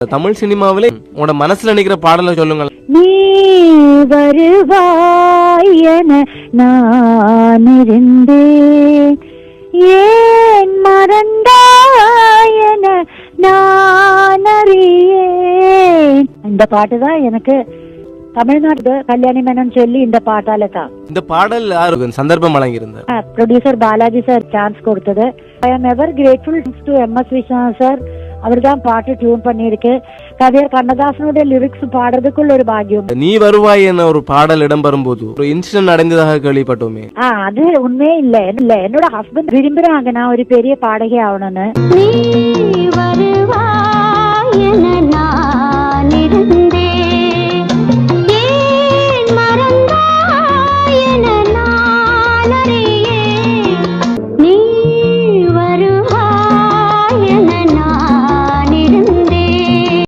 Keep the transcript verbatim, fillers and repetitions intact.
தமிழ் சினிமாவிலே உங்களோட மனசுல நிக்கிற பாடலை சொல்லுங்க. நீ வருவாய் என நான் இருந்தேன், ஏன் மறந்தாய் என நான் அறியேன். இந்த பாட்டு தான் எனக்கு தமிழ்நாடு கல்யாணி மேனன் சொல்லி இந்த பாட்டால தான். இந்த பாடல் யாருக்கு சந்தர்ப்பம் வழங்கியிருந்தார்? ப்ரொடியூசர் பாலாஜி சார் சான்ஸ் கொடுத்தது. I am ever grateful to M S Viswanathan sir. அவர் தான் பாட்டு டியூன் பண்ணிருக்கு. கவியர் கண்ணதாசனுடைய லிரிக்ஸ் பாடுறதுக்குள்ள ஒரு பாக்கியம். நீ வருவாய் என ஒரு பாடல் இடம் போது ஒரு இன்சிடென்ட் நடந்ததாக கேள்விப்பட்டோமே. அது உண்மையே இல்ல இல்ல என்னோட ஹஸ்பண்ட் விரும்புறாங்க நான் ஒரு பெரிய பாடகி ஆகணும்னு. நீ வருவாய் என